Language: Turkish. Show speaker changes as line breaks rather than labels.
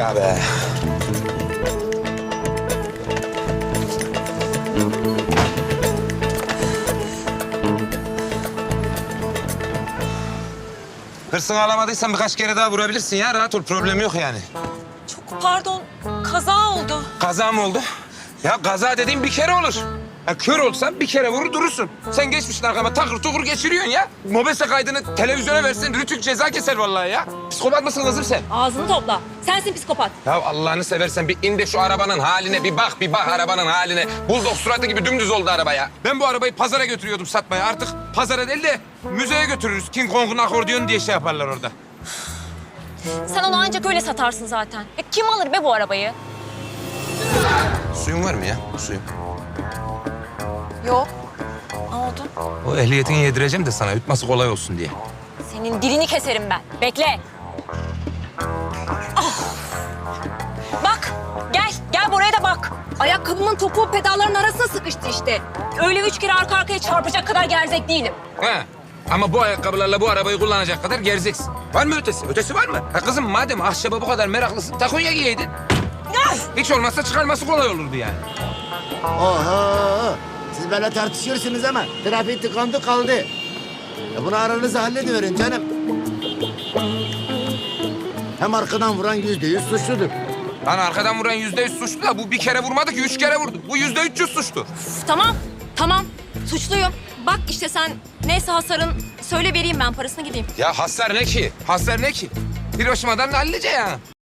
ya be. Hırsını alamadıysan birkaç kere daha vurabilirsin ya. Rahat ol, problem yok yani.
Çok pardon, kaza oldu.
Kaza mı oldu? Ya kaza dediğin bir kere olur. Ya kör olsan bir kere vurur durursun. Sen geçmişsin arkama takır tukur geçiriyorsun ya. Mobese kaydını televizyona versin, rütük ceza keser vallahi ya. Psikopat mısın kızım sen?
Ağzını topla. Sensin psikopat.
Ya Allah'ını seversen bir in de şu arabanın haline bir bak arabanın haline. Buldog suratı gibi dümdüz oldu araba ya. Ben bu arabayı pazara götürüyordum satmaya. Artık pazara değil de müzeye götürürüz. King Kong'un akordiyonu diye şey yaparlar orada.
Sen onu ancak öyle satarsın zaten. Kim alır be bu arabayı?
Suyun var mı ya? Suyun.
Yok. Ne oldu?
O ehliyetini yedireceğim de sana yutması kolay olsun diye.
Senin dilini keserim ben. Bekle. Ah! Bak, gel buraya da bak. Ayakkabımın topuğu pedalların arasına sıkıştı işte. Öyle 3 kere arka arkaya çarpacak kadar gerzek değilim.
He. Ama bu ayakkabılarla bu arabayı kullanacak kadar gerzeksin. Var mı ötesi? Ötesi var mı? Ha kızım madem ahşaba bu kadar meraklısın takonya giyeydin. Hiç olmazsa çıkarması kolay olurdu yani.
Oho! Siz böyle tartışıyorsunuz ama trafik tıkandı kaldı. Bunu aranızda hallediverin canım. Hem arkadan vuran %100 suçludur.
Lan arkadan vuran %100 suçlu da bu bir kere vurmadı ki 3 kere vurdu. Bu %300 suçlu.
Üf, tamam. Suçluyum. Bak işte sen neyse hasarın söyle vereyim ben parasını gideyim.
Ya hasar ne ki? Hasar ne ki? Hiroşima'dan hallice ya.